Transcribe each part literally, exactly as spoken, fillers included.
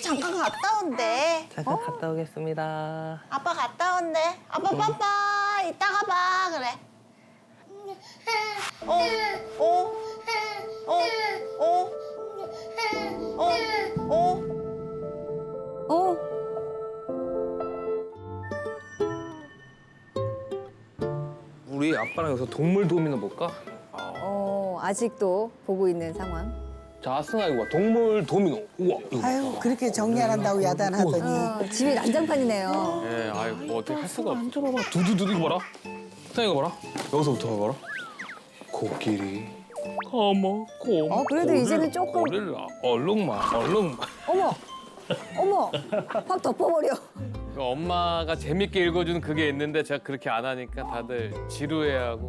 잠깐 갔다 온대. 잠깐 어? 갔다 오겠습니다. 아빠 갔다 온대. 아빠 응. 빠빠 이따가 봐 그래. 어, 어, 어, 어, 어, 어. 어? 우리 아빠랑 여기서 동물 도미노 볼까? 어, 아직도 보고 있는 상황. 자, 승아 이거 봐. 동물 도미노. 우와. 이거 봐. 아유 그렇게 정리 안 한다고 야단하더니. 어, 집이 난장판이네요. 예, 아이 뭐 어떻게 할 수가 없어. 앉아봐봐. 두두두 이거 봐라. 승아 이거 봐라. 여기서부터 봐라. 코끼리. 어머, 곰. 어, 그래도 고릴라, 이제는 조금- 고릴라. 얼룩말, 얼룩말. 어머! 어머! 확 덮어버려. 그 엄마가 재밌게 읽어주는 그게 있는데 제가 그렇게 안 하니까 다들 지루해하고.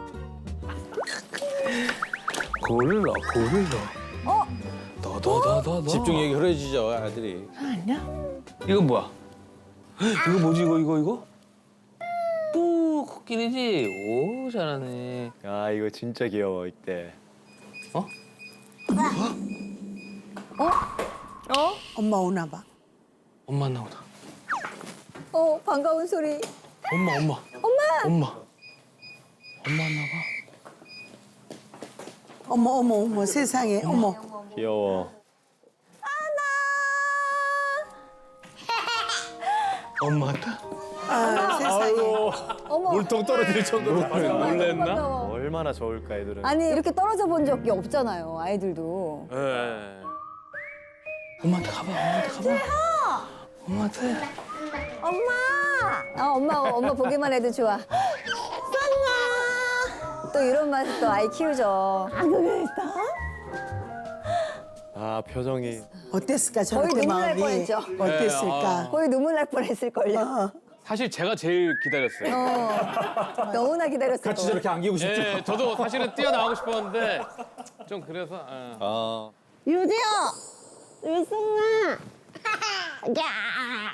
고릴라, 고릴라. 어? 더더더더. 집중력이 흐려지죠, 아들이. 이거 뭐야? 이거 뭐지 이거 이거 이거? 뿌 코끼리지. 오 잘하네. 아, 이거 진짜 귀여워, 이때. 어? 어? 엄마 오나 봐. 엄마 나오다. 어, 반가운 소리. 엄마 엄마. 엄마! 엄마. 엄마 왔나 봐. 어머 어머 어머 세상에 어머. 귀여워. 엄마 왔다. 아 세상에. 어머! 물통 떨어질 정도로 놀랬나? 반가워. 얼마나 좋을까, 애들은. 아니, 이렇게 떨어져 본 적이 없잖아요, 아이들도. 예. 엄마한테 가봐. 엄마한테 가봐. 엄마한테. 엄마! 아, 엄마, 엄마 보기만 해도 좋아. 쌍아! 또 이런 맛에 또 아이 키우죠. 아 그랬어? 아, 표정이. 어땠을까 거의 저렇게 눈물 날 마음이. 뻔했죠. 어땠을까. 거의 눈물 날 뻔했을걸요. 어. 사실 제가 제일 기다렸어요. 어, 너무나 기다렸을 같이 거. 저렇게 안기고 싶죠? 예, 저도 사실은 뛰어나가고 싶었는데 좀 그래서. 예. 아, 유지야, 유승아. 야.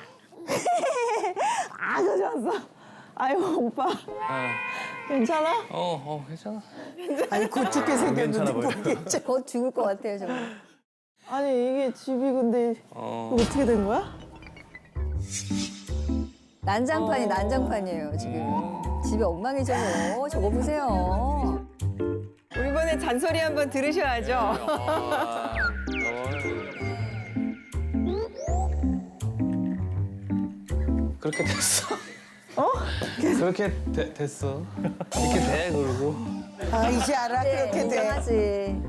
아주 좋았어. 아이고 오빠 예. 괜찮아? 어, 어, 괜찮아. 아니 곧 죽게 생겼는데 괜찮아 보여. 모르겠죠. 곧 죽을 것 같아요, 정말. 아니 이게 집이 근데 어. 이거 어떻게 된 거야? 난장판이 난장판이에요, 지금. 집이 엉망이죠, 뭐. 저거 보세요. 우리 이번에 잔소리 한번 들으셔야죠. 아, 너는 그렇게 됐어. 어? 그렇게 되, 됐어. 이렇게 돼 그러고. 아 이제 알아 네, 그렇게 돼. 인정하지.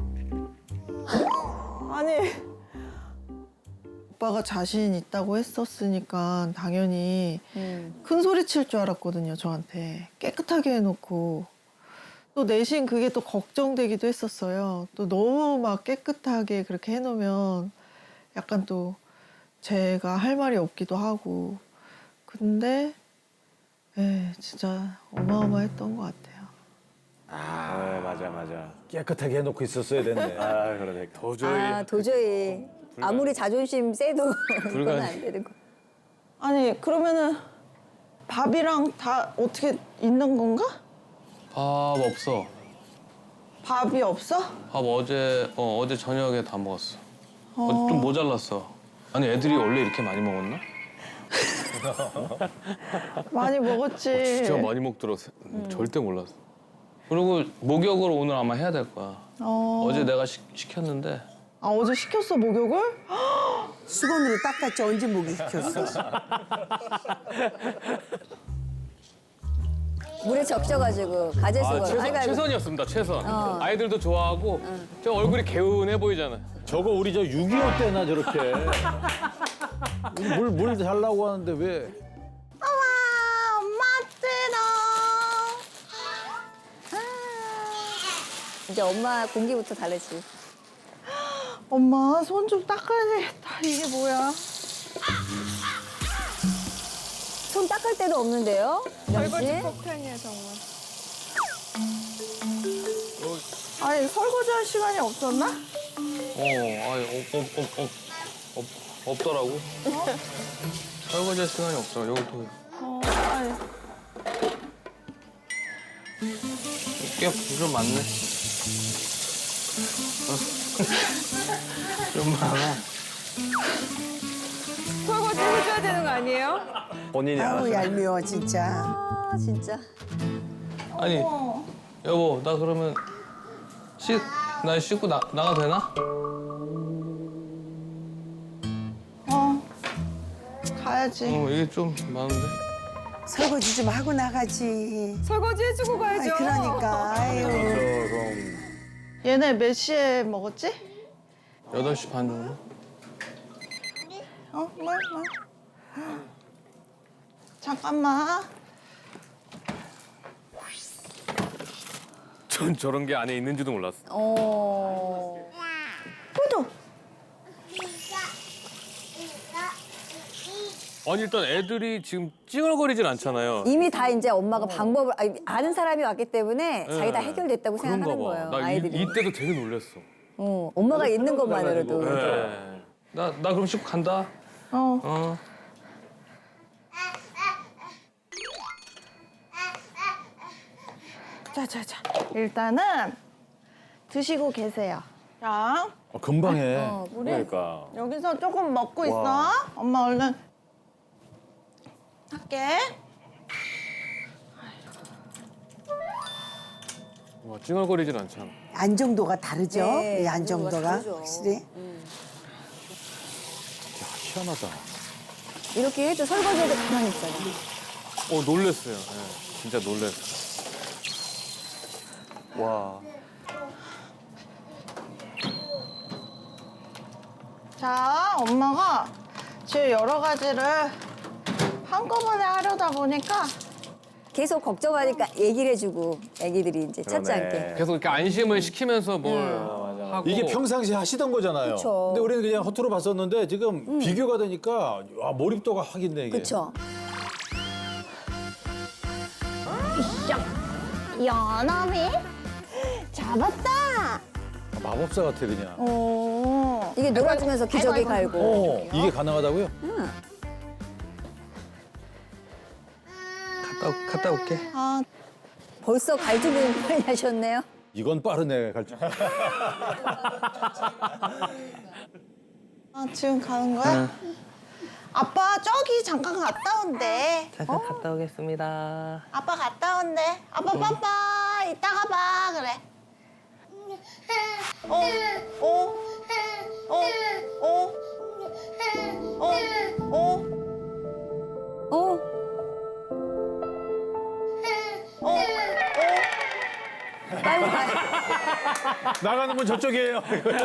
아니 오빠가 자신 있다고 했었으니까 당연히 음. 큰 소리 칠 줄 알았거든요 저한테. 깨끗하게 해놓고 또 내심 그게 또 걱정되기도 했었어요. 또 너무 막 깨끗하게 그렇게 해놓으면 약간 또 제가 할 말이 없기도 하고. 근데 예, 진짜 어마어마했던 것 같아요. 아, 맞아, 맞아. 깨끗하게 해놓고 있었어야 됐네. 아, 그러니까. 도저히. 아, 도저히. 아무리 자존심 세도 그건 불가능. 안 되는 거. 아니 그러면은 밥이랑 다 어떻게 있는 건가? 밥 없어. 밥이 없어? 밥 어제 어 어제 저녁에 다 먹었어. 어, 좀 모자랐어. 아니 애들이 원래 이렇게 많이 먹었나? 많이 먹었지. 진짜 많이 먹더라. 절대 몰랐어. 그리고 목욕을 오늘 아마 해야 될 거야. 어. 어제 내가 시, 시켰는데 아 어제 시켰어 목욕을? 수건으로 닦았지 언제 목이 시켰어. 물에 적셔가지고 가재수건. 아, 최선, 아이고, 아이고. 최선이었습니다. 최선. 어. 아이들도 좋아하고 저 얼굴이 개운해 보이잖아. 저거 우리 저 육이오 때나 저렇게. 물, 물 달라고 하는데 왜. 엄마 엄마 뜨러. 이제 엄마 공기부터 다르지. 엄마 손 좀 닦아야 되겠다. 이게 뭐야? 손 닦을 데도 없는데요? 설거지 역시. 폭탄이야 정말. 아니 설거지 할 시간이 없었나? 어, 아니, 없, 없, 없, 없, 없, 없더라고. 설거지 할 시간이 없어. 여기 또. 어 아니 꽤좀 많네. 좀 많아. 아니에요? 본인이 아우 얄미워 진짜. 아 진짜. 아니 여보 나 그러면 씻, 나 씻고 나, 나가도 되나? 가야지. 어 이게 좀 많은데. 설거지 좀 하고 나가지. 설거지 해주고 아이, 가야죠. 그러니까 아유. 얘네 몇 시에 먹었지? 여덟 시 반 정도? 어, 뭐, 뭐. 잠깐만. 전 저런 게 안에 있는지도 몰랐어. 어. 아니 일단 애들이 지금 찡얼거리진 않잖아요. 이미 다 이제 엄마가 방법을 아니, 아는 사람이 왔기 때문에 자기 다 해결됐다고 그런가 생각하는 봐. 거예요. 나 이, 아이들이. 이때도 되게 놀랬어. 어, 엄마가 있는 것만으로도. 네. 나, 나 그럼 씻고 간다. 어. 어. 자, 자, 자. 일단은 드시고 계세요. 자, 어, 금방 해. 어, 우리 그러니까. 여기서 조금 먹고 있어. 엄마 얼른 할게. 와, 찡얼거리진 않잖아. 안정도가 다르죠. 네, 이 안정도가 다르죠. 확실히. 야, 희한하다. 이렇게 해도 설거지해도 가만히 있잖아. 어 놀랬어요. 네, 진짜 놀랬어. 와. 자, 엄마가 지금 여러 가지를 한꺼번에 하려다 보니까 계속 걱정하니까 얘기를 해주고 애기들이 이제 찾지 않게. 계속 이렇게 안심을 시키면서 뭘 하고. 이게 평상시에 하시던 거잖아요. 그쵸. 근데 우리는 그냥 허투루 봤었는데 지금 비교가 되니까 와, 몰입도가 확 있네, 이게. 그렇죠. 연어미 잡았다. 마법사 같아, 그냥. 오. 이게 놀아주면서 기저귀 갈고. 어, 이게 가능하다고요? 갔다, 올- 갔다 올게. 아, 벌써 갈 준비는 많이 하셨네요. 이건 빠르네, 갈줄. 아, 지금 가는 거야? 아빠 저기 잠깐 갔다 온대. 잠깐 갔다 오겠습니다. 아빠 갔다 온대. 아빠 빠빠 이따가 봐 그래. 어, 어, 어, 어, 어, 어, 어? 어, 어. 빨리 가. 나가는 건 저쪽이에요.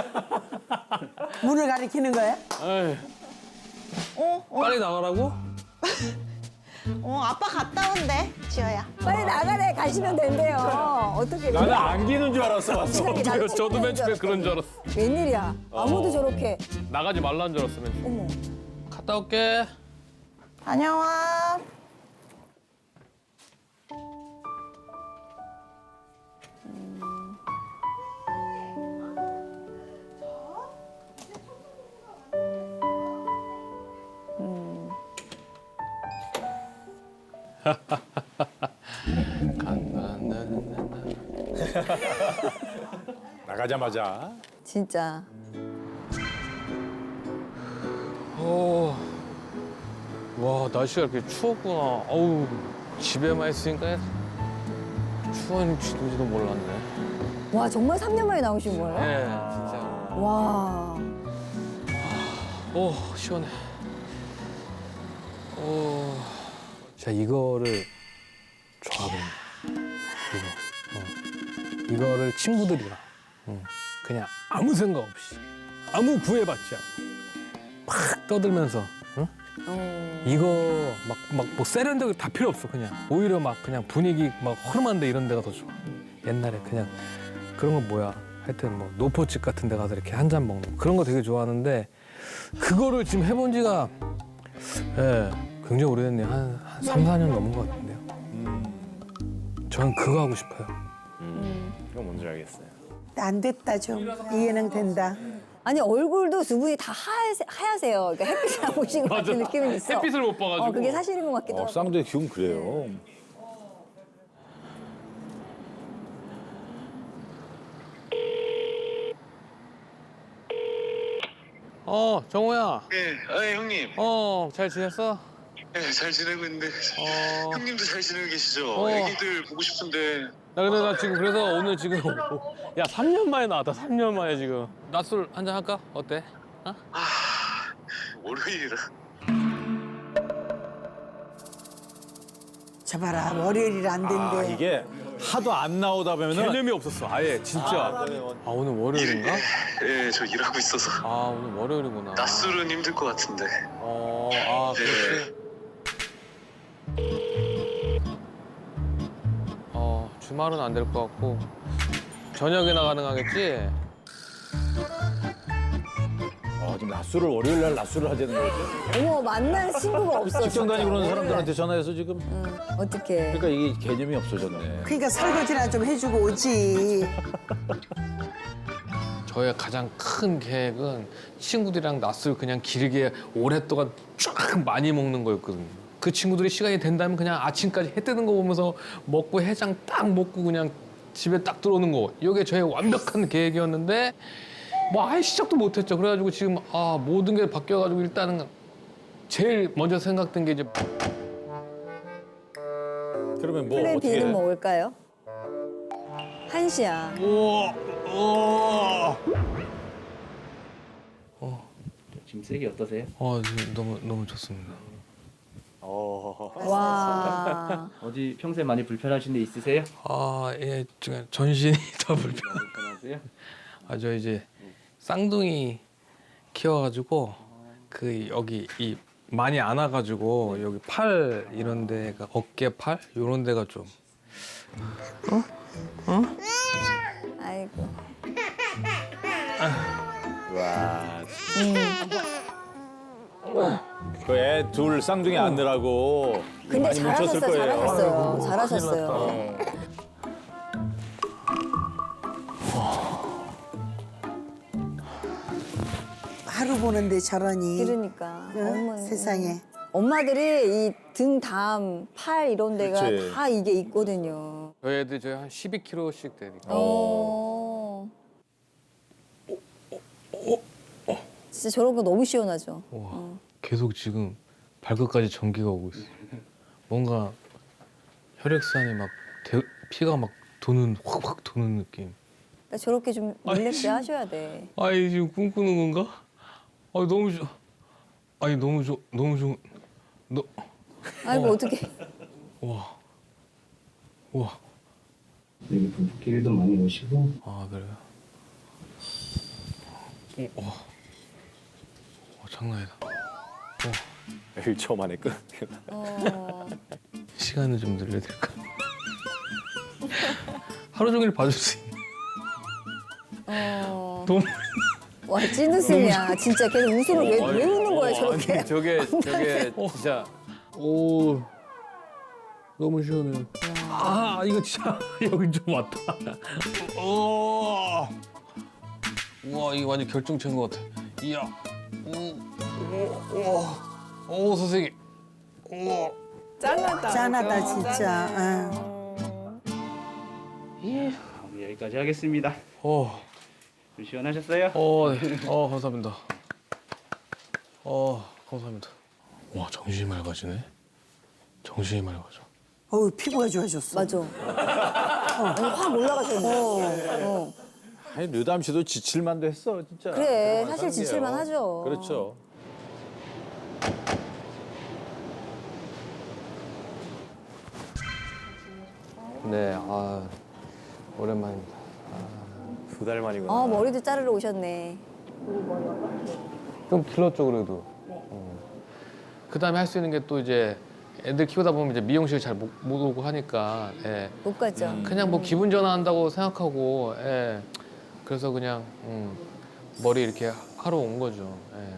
문을 가리키는 거야? 에이, 어, 어, 빨리 나가라고? 어, 아빠 갔다 온대, 지호야. 빨리 나가래 가시면 된대요. 어떻게? 나는 안기는 줄 알았어, 왔어. 나도 저도 맨 처음에 그런 줄 알았어. 웬일이야? 아무도 저렇게. 나가지 말라는 줄 알았어, 맨 처음에. 어머. 갔다 올게. 다녀와. 나가자마자. 진짜. 오. 와, 날씨가 이렇게 추웠구나. 어우, 집에만 있으니까 추운지도 몰랐네. 와 정말 삼 년 만에 나오신 거예요? 네, 진짜. 와. 오, 시원해. 오. 자, 이거를 좋아하거든요. 이거. 어. 이거를 친구들이랑 응. 그냥 아무 생각 없이 아무 구애받지 않고 팍 떠들면서 응? 어. 이거 막 막 뭐 세련되고 다 필요 없어 그냥 오히려 막 그냥 분위기 막 허름한데 이런 데가 더 좋아. 옛날에 그냥 그런 거 뭐야 하여튼 뭐 노포집 같은 데 가서 이렇게 한 잔 먹는 거. 그런 거 되게 좋아하는데 그거를 지금 해본 지가 예 굉장히 오래됐네요. 한, 한 삼, 사 년 넘은 것 같은데요. 저는 그거 하고 싶어요. 이건 뭔지 알겠어요. 안 됐다 좀. 이해는 된다. 아니 얼굴도 두 분이 다 하세, 하얗세요. 그러니까 햇빛을 안 보신 것 같은 느낌이 있어. 햇빛을 못 봐가지고. 어, 그게 사실인 것 같기도 어, 하고. 쌍둥이 기운 그래요. 어, 정호야. 네, 아 형님. 어, 잘 지냈어? 네, 잘 지내고 있는데 어. 형님도 잘 지내고 계시죠? 어. 애기들 보고 싶은데 나 근데 나 지금 그래서 오늘 지금 야 삼 년 만에 나왔다. 삼 년 만에 지금. 낮술 한잔 할까? 어때? 어? 아 월요일이라 잡아라 월요일이라 안 된대. 아, 이게 하도 안 나오다 보면은 개념이 없었어. 아예 진짜. 아 오늘 월요일인가? 예, 저 일하고 있어서 아 오늘 월요일이구나. 낮술은 힘들 것 같은데 어, 아 그렇지. 어 주말은 안 될 것 같고 저녁이나 가능하겠지? 아, 지금 낮술을 월요일 날 낮술을 하자는 거지. 어머 만날 친구가 없어. 직장 진짜. 다니고 그러는 사람들한테 전화해서 지금 응, 어떡해. 그러니까 이게 개념이 없어졌네. 그러니까 설거지나 좀 해주고 오지. 저의 가장 큰 계획은 친구들이랑 낮술 그냥 길게 오랫동안 쫙 많이 먹는 거였거든요. 그 친구들이 시간이 된다면 그냥 아침까지 해 뜨는 거 보면서 먹고 해장 딱 먹고 그냥 집에 딱 들어오는 거. 이게 저의 완벽한 계획이었는데 뭐 아예 시작도 못했죠. 그래가지고 지금 아 모든 게 바뀌어가지고 일단은 제일 먼저 생각된 게 이제 그러면 뭐 플랜 어떻게 B는 해? 먹을까요? 한시야. 우와 우와 지금 세기 어떠세요? 어 지금 너무 너무 좋습니다. 와. 어디 평소에 많이 불편하신 데 있으세요? 아예 지금 전신이 더 불편. 불편하세요? 아 저 이제 쌍둥이 키워가지고 그 여기 이 많이 안 와가지고 여기 팔 이런 데가 어깨 팔 이런 데가 좀 아이고. 와. 음. 그애 둘 쌍둥이 안느라고 근데 많이 뭉쳤을 잘하셨어요. 거예요. 잘하셨어요. 잘하셨어요. 하루 보는데 저러니. 그러니까. 응? 어머, 세상에. 엄마들이 이 등, 담, 팔 이런 데가 그치. 다 이게 있거든요. 저희 애들 저희 한 십이 킬로그램씩 되니까. 어. 진짜 저런 거 너무 시원하죠. 와 계속 지금 발끝까지 전기가 오고 있어. 뭔가 혈액순환이 막 대, 피가 막 도는 확확 도는 느낌. 그러니까 저렇게 좀 릴렉스 하셔야 돼. 아이 지금 꿈꾸는 건가? 아 너무 좋. 아니 너무 좋 너무 좋. 너 아이고 어떻게? 와. 와. 여기 부부끼리도 많이 오시고 아 그래요? 오, 와. 와 장난 아니다. 일 초 만에 끝. 어. 시간을 좀 늘려야 될까? 하루 종일 봐줄 수 있는. 어. 너무. 와 찐웃음이야. 진짜 걔는 웃음을 왜, 왜 웃는 거야 저렇게? 아니 저게 저게 진짜. 오. 너무 시원해요. 아 이거 진짜 여기 좀 왔다. 오. 우와 이거 완전 결정체인 것 같아. 이야. 오. 오. 오. 오 선생님. 오. 짠하다. 짠하다 진짜. 응. 우리 여기까지 하겠습니다. 어. 좀 시원하셨어요? 어, 네. 어 감사합니다. 어 감사합니다. 와 정신이 맑아지네. 정신이 맑아져. 어우 피부가 좋아졌어. 맞아. 어. 아니, 확 올라가셨네. 어. 아니 류담 씨도 지칠만도 했어 진짜. 그래, 그런 사실 지칠만 사람이에요. 하죠. 그렇죠. 네, 아 오랜만입니다. 두 달 만이구나. 아 머리도 자르러 오셨네. 좀 길렀죠 그래도. 어. 그다음에 할 수 있는 게 또 이제 애들 키우다 보면 이제 미용실 잘 못 못 오고 하니까 예. 못 갔죠. 그냥 뭐 기분 전환한다고 생각하고 예. 그래서 그냥 음, 머리 이렇게 하러 온 거죠. 예.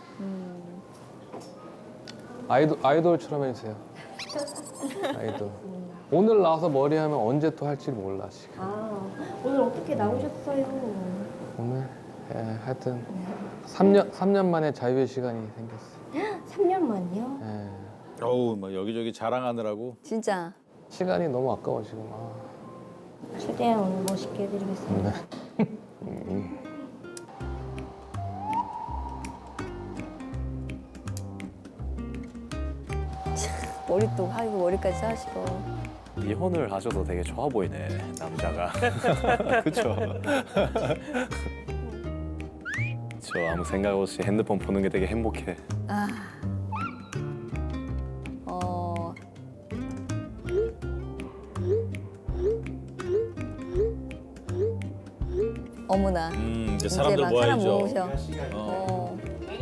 아이돌 아이돌처럼 해주세요. 아이돌. 오늘 나와서 머리 하면 언제 또 할지 몰라 지금. 아, 오늘 어떻게 나오셨어요? 오늘 예, 하여튼 삼 년 삼 년 만에 자유의 시간이 생겼어요. 삼 년 만이요? 예. 어우 막 여기저기 자랑하느라고. 진짜. 시간이 너무 아까워 지금. 아. 최대한 오늘 멋있게 해드리겠습니다. 음. 머리도 하고 머리까지 하시고. 이혼을 하셔도 되게 좋아 보이네 남자가. 그렇죠. 저 아무 생각 없이 핸드폰 보는 게 되게 행복해. 아. 어. 어머나. 음, 이제 이제 사람들 막 사람 모아야죠. 모으셔. 어.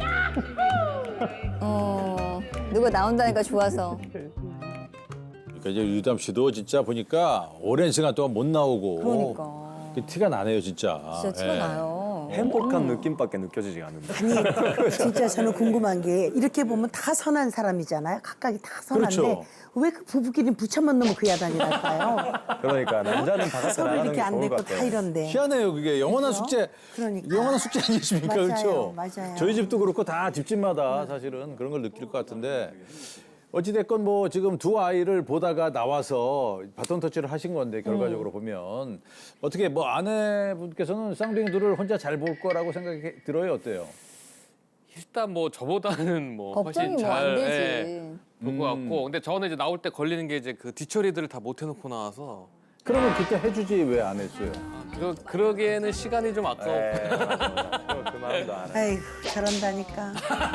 어. 누가 나온다니까 좋아서. 그러니까 이제 유담 씨도 진짜 보니까 오랜 시간 동안 못 나오고. 그러니까. 그 티가 나네요, 진짜. 진짜 티가 예. 나요. 행복한 느낌밖에 느껴지지 않는데. 아니 진짜 저는 궁금한 게 이렇게 보면 다 선한 사람이잖아요. 각각이 다 선한데 그렇죠. 왜 그 부부끼리 부처만 넣으면 그 야단이랄까요? 그러니까 남자는 바깥에 서로 나가는 이렇게 게 안 좋을 됐고 것 다 같아. 이런데. 희한해요, 그게. 영원한 그죠? 숙제. 그러니까. 영원한 숙제 아니십니까? 맞아요, 그렇죠? 맞아요. 저희 집도 그렇고 다 집집마다 사실은 그런 걸 느낄 것 같은데 어찌됐건 뭐 지금 두 아이를 보다가 나와서 바톤 터치를 하신 건데 결과적으로 음. 보면 어떻게 뭐 아내분께서는 쌍둥이 둘을 혼자 잘 볼 거라고 생각이 들어요? 어때요? 일단 뭐 저보다는 뭐 걱정이 훨씬 뭐 안 잘 되지. 예, 볼 것 음. 같고 근데 저는 이제 나올 때 걸리는 게 이제 그 뒤처리들을 다 못 해놓고 나와서 그러면 그때 해주지 왜 안 했어요? 그러, 그러기에는 시간이 좀 아까워. 에, 그 마음도 알아. 아이고 잘한다니까.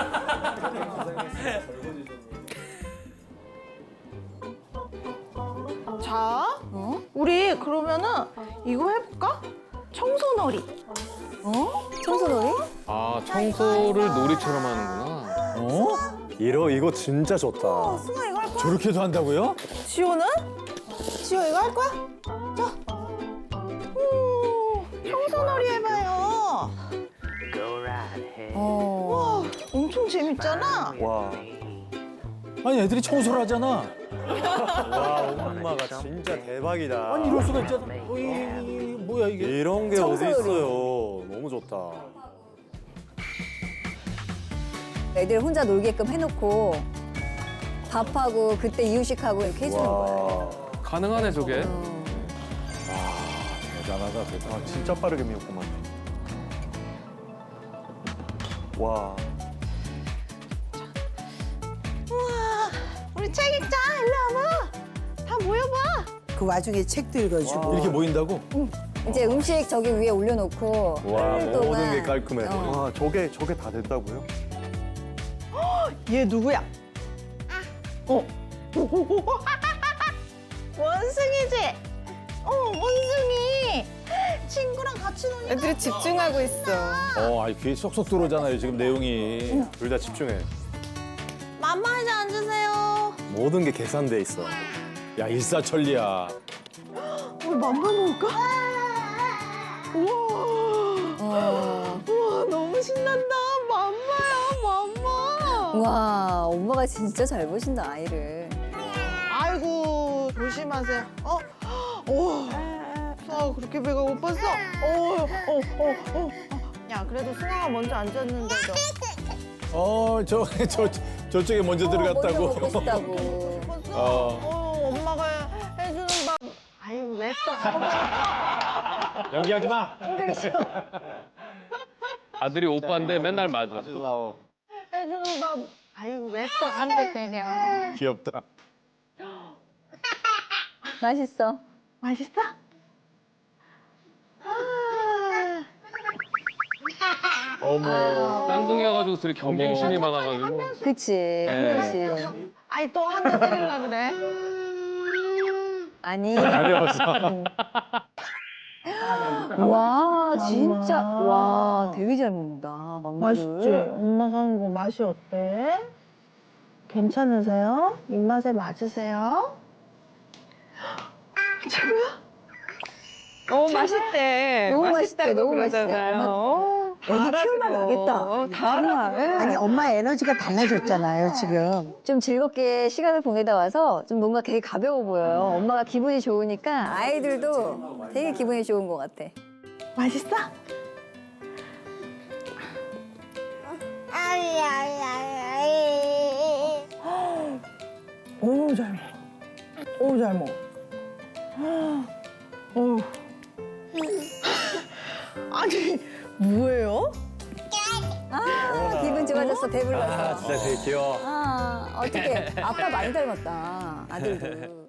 자, 어? 우리 그러면은 이거 해볼까? 청소놀이. 어? 청소놀이? 아 청소를 놀이처럼 하는구나. 어? 이러 이거 진짜 좋다. 승아 이거 할 거야? 저렇게도 한다고요? 지호는? 지호 이거 할 거야? 자. 오, 청소놀이 해봐요. 어. 와, 엄청 재밌잖아. 와, 아니 애들이 청소를 하잖아. 와 엄마가 진짜 대박이다. 아니 이럴 수가 있잖아. 어, 이, 이, 이, 뭐야 이게? 이런 게 어디 청소놀이. 있어요. 너무 좋다. 애들 혼자 놀게끔 해놓고 밥하고 그때 이유식하고 이렇게 해주는 거예요. 와, 가능하네 저게. 어. 대단하다 대단. 아, 진짜 빠르게 미웠구만. 와, 우와, 우리 책 읽자. 일로 와봐. 다 모여봐. 그 와중에 책도 읽어주고. 이렇게 모인다고? 이제 음식 저기 위에 올려놓고 와 하루 동안 모든 게 깔끔해. 어. 와 저게 저게 다 됐다고요? 얘 누구야? 어. 원숭이지? 어, 원숭이. 친구랑 같이 노니까. 애들이 집중하고 있어. 어, 아니 귀에 쏙쏙 들어오잖아요 지금 내용이. 둘 다 집중해. 맘마 이제 앉으세요. 모든 게 계산돼 있어. 야 일사천리야. 우리 맘마 먹을까? 우와. 어. 우와, 너무 신난다. 맘마야, 맘마. 와, 엄마가 진짜 잘 보신다 아이를. 아이고, 조심하세요. 어? 오. 수아가 그렇게 배가 고팠어? 어, 어, 어, 어. 야, 그래도 승아가 먼저 앉았는데도. 어, 저, 저, 저쪽에 먼저 들어갔다고. 먼저 먹고 싶다고. 벌써? 어. 어, 엄마가 해주는 밥. 아유, 왜 또? 연기하지 마. 아들이 오빠인데 맨날 맞아. 해주는 밥. 아유, 왜 또 안 되세요? 귀엽다. 맛있어. 맛있어? 아. 어머. 쌍둥이여가지고 둘이 경쟁심이 많아가지고. 그치. 네. 그치. 아니, 또 한 대 때리려 그래? 아니. 와, 진짜. 와, 되게 잘 먹는다. 망고를. 엄마 사는 거 맛이 어때? 괜찮으세요? 입맛에 맞으세요? 너무 맛있대. 너무 맛있대, 맛있다고 너무 그러잖아요. 애기 키우면 알겠다. 어, 정말. 아니 엄마 에너지가 달라졌잖아요 지금. 좀 즐겁게 시간을 보내다 와서 좀 뭔가 되게 가벼워 보여요. 엄마가 기분이 좋으니까 아이들도 되게 기분이 좋은 것 같아. 맛있어? 오, 잘 먹어. 오, 잘 먹어. 오. 아니, 뭐예요? 아, 기분 좋아. 가졌어, 배불러서. 아 진짜 되게 귀여워. 아, 어떻게 아빠 많이 닮았다, 아들도.